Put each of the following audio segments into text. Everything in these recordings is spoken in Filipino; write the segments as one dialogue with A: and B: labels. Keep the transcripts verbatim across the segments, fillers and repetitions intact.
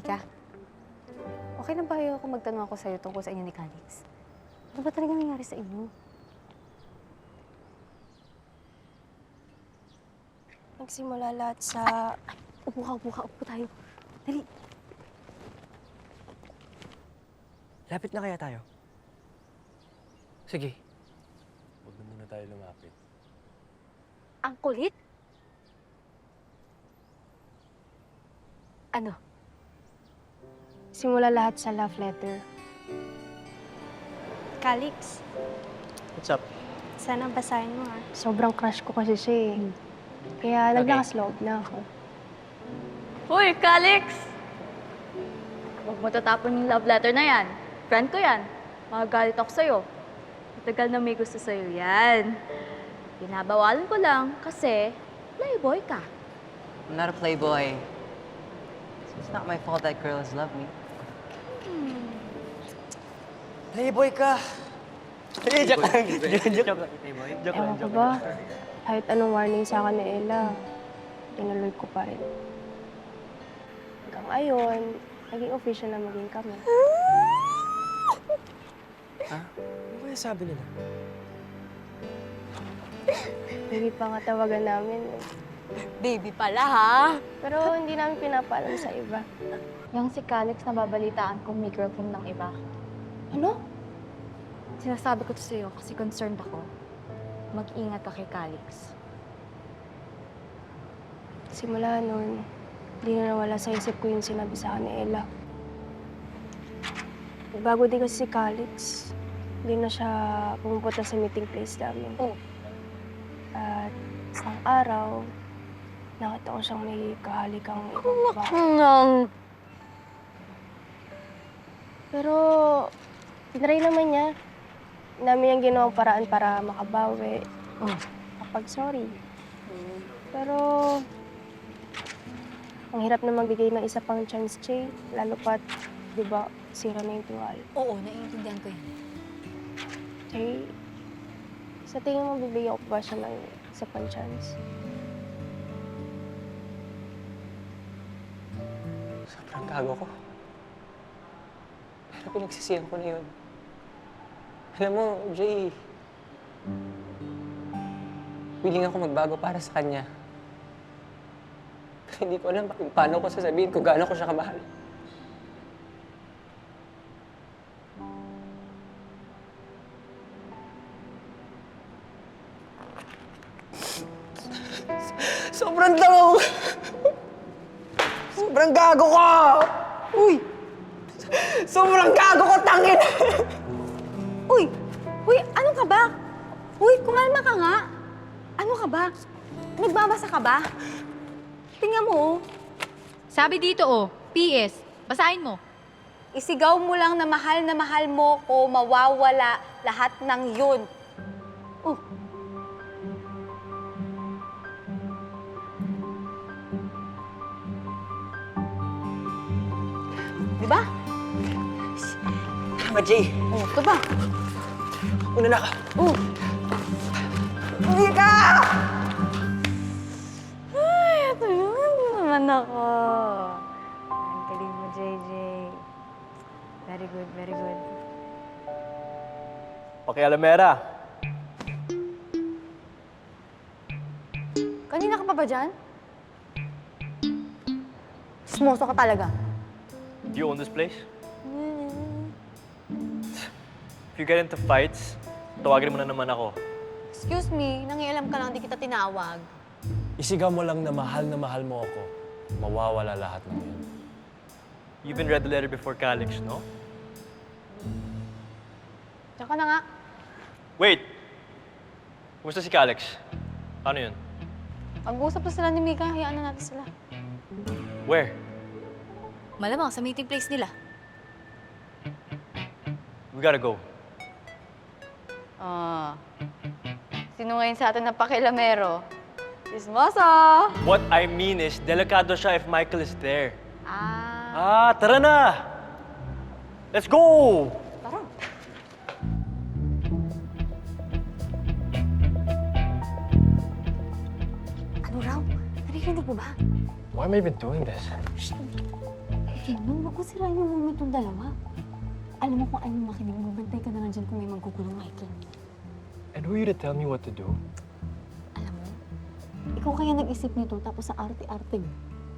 A: Mika, okay lang ba ayaw kung magtanong ako sa'yo tungkol sa inyo ni Calix? Ano ba talaga nangyari sa inyo?
B: Nagsimula lahat sa...
A: Ay, upo ka, upo ka, upo tayo. Dali.
C: Lapit na kaya tayo? Sige.
D: Huwag na muna tayo lumapit.
A: Ang kulit? Ano?
B: Simula lahat sa love letter. Calix,
C: What's up?
B: sana basahin mo ah. Sobrang crush ko kasi siya eh. Kaya
C: Okay.
B: naglakas-loob na ako.
E: Hoy, Calix! Huwag mo tatapon yung love letter na yan. Friend ko yan. Magagalit ako sa'yo. Matagal na may gusto sa'yo yan. Binabawalan ko lang kasi playboy ka.
F: I'm not a playboy. It's not my fault that girls love me.
C: Playboy ka! Eh, joke lang. Joke lang.
F: Playboy?
C: Joke lang,
B: Ewan ko
C: joke
B: ba,
C: lang.
B: kahit anong warning sa akin ni Ella, tinuloy ko pa rin. Hanggang ngayon, naging official na maging kami.
C: Ha? Ano kaya sabi nila?
B: Hindi pa nga tawagan namin eh.
E: Baby pala, ha?
B: Pero hindi namin pinapaalam sa iba.
E: Yung si Calix na babalitaan kung may girlfriend ng iba.
B: Ano?
E: Sinasabi ko to sa'yo kasi concerned ako. Mag-ingat ka kay Calix.
B: Simula noon, hindi na nawala sa isip ko yung sinabi sa akin ni Ella. Bago din kasi si Calix, hindi na siya pumupunta sa meeting place namin.
E: Oh.
B: At isang araw, nakita ko siyang may kahalikang ibang babae.
E: Nang...
B: Pero, tinry naman niya. Namin yung ginawang paraan para makabawi.
E: Oh.
B: Kapag sorry. Pero, ang hirap na magbigay ng isa pang chance, Che. Lalo pat, di ba, sira na yung tiwala.
A: Oo, naiintindihan ko yan.
B: Che, sa tingin mo, bibigyan ko ba siya ng isa pang chance?
C: Sobrang gago ko. Pero pinagsisihan ko na yun. Alam mo, Jay, willing ako magbago para sa kanya. Pero hindi ko alam pa- paano ko sasabihin kung gaano ko siya kamahal. Sobrang tangaw! Sobrang gago ko! Uy! Sobrang gago ko, tangin!
A: Uy! Uy, ano ka ba? Uy, kumalma ka nga. Ano ka ba? Nagbabasa ka ba? Tingnan mo, oh.
G: Sabi dito oh, P S. Basahin mo.
A: Isigaw mo lang na mahal na mahal mo ko, mawawala lahat ng yun. Oh. Di ba?
C: Tama, Jay.
A: Oh, ito ba?
C: Una na ka.
A: Oh.
C: Hindi ka!
E: Ay, ito yun naman ako. Ang galing mo, J J. Very good, very good.
D: Okay, Alamera.
A: Kanina ka pa ba dyan? Smoso ka talaga.
D: Do you own this place? If you get into fights, tawagin mo na naman ako.
A: Excuse me, nangialam ka lang, di kita tinawag.
D: Isigaw mo lang na mahal na mahal mo ako. Mawawala lahat ng yun.
C: You even read the letter before Calix, no?
A: Tsaka na nga.
D: Wait! Kumusta si Calix? Paano yun?
A: Pag-uusap na sila ni Mika, hayaan na natin sila.
D: Where?
G: Malamang sa meeting place nila.
D: We gotta go.
E: Ah. Sino ngayon sa atin na pakilamero? Ismoso!
D: What I mean is, delikado siya if Michael is there.
E: Ah.
D: Ah, tara na! Let's go!
A: Ano raw? Naririnig mo ba?
D: Why am I even doing this?
A: Kingdom, wag mo sirain yung moment ng dalawa. Alam mo kung anong makinig mo, bantay ka na lang dyan kung may magkukulong, Michael.
D: And who are you to tell me what to do?
A: Alam mo, ikaw kaya nag-isip nito tapos sa arte-arte mo.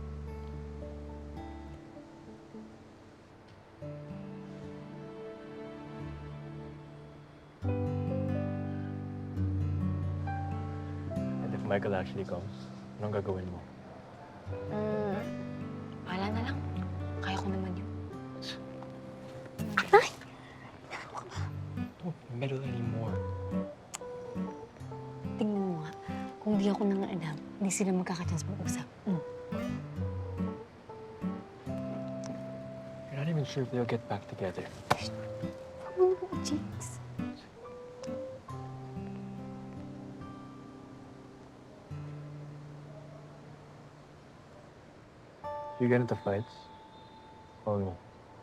D: And if Michael actually comes, anong gagawin mo?
A: Hmm, wala na lang. Kaya ko naman yun.
D: Don't meddle anymore.
A: Tingnan mo nga, kung di ako nang alam, hindi sila magkakachance mag-usap. Hmm.
D: You're not even sure if they'll get back together.
A: Ano mo, Jinx?
D: You get into fights? Oh no.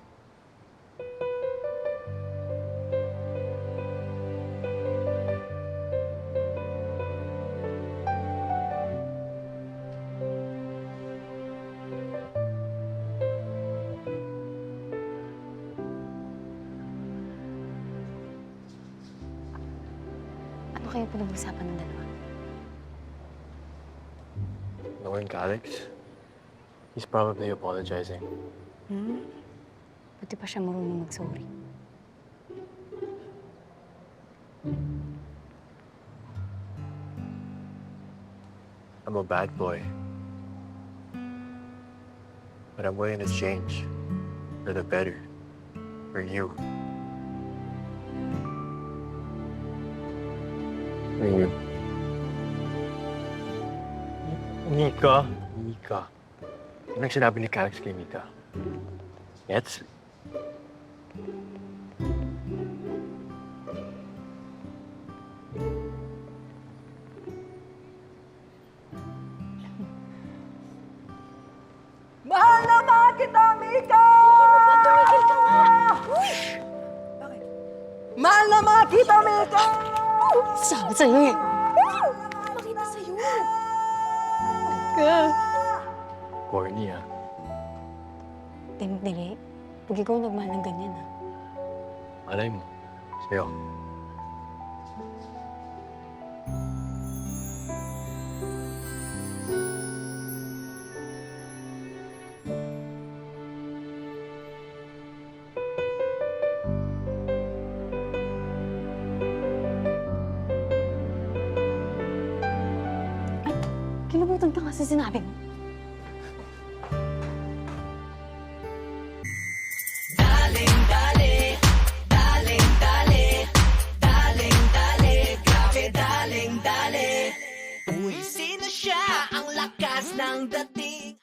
A: Ano kayo pinag-usapan ng dalawa?
D: Knowing Alex, he's probably apologizing.
A: Hmm? Buti pa siya marunong mag-sorry.
D: I'm a bad boy. But I'm willing to change. For the better. For you. For you. Mika. Mika. Yan ang sinabi ni Calix kay Mika. Gets?
C: Mahal na mahal kita, Mika!
A: Tumigil ka nga!
C: Bakit? Mahal na mahal kita, Mika!
A: Sabi sa'yo eh! Makita sa'yo!
D: Corny, ah.
A: Dili, pag ikaw nagmahal ng ganyan ah.
D: Malay mo. Sa'yo.
A: Kilabutan ka kasi sinabi mo.
H: Uy, sino siya? Ang lakas ng dating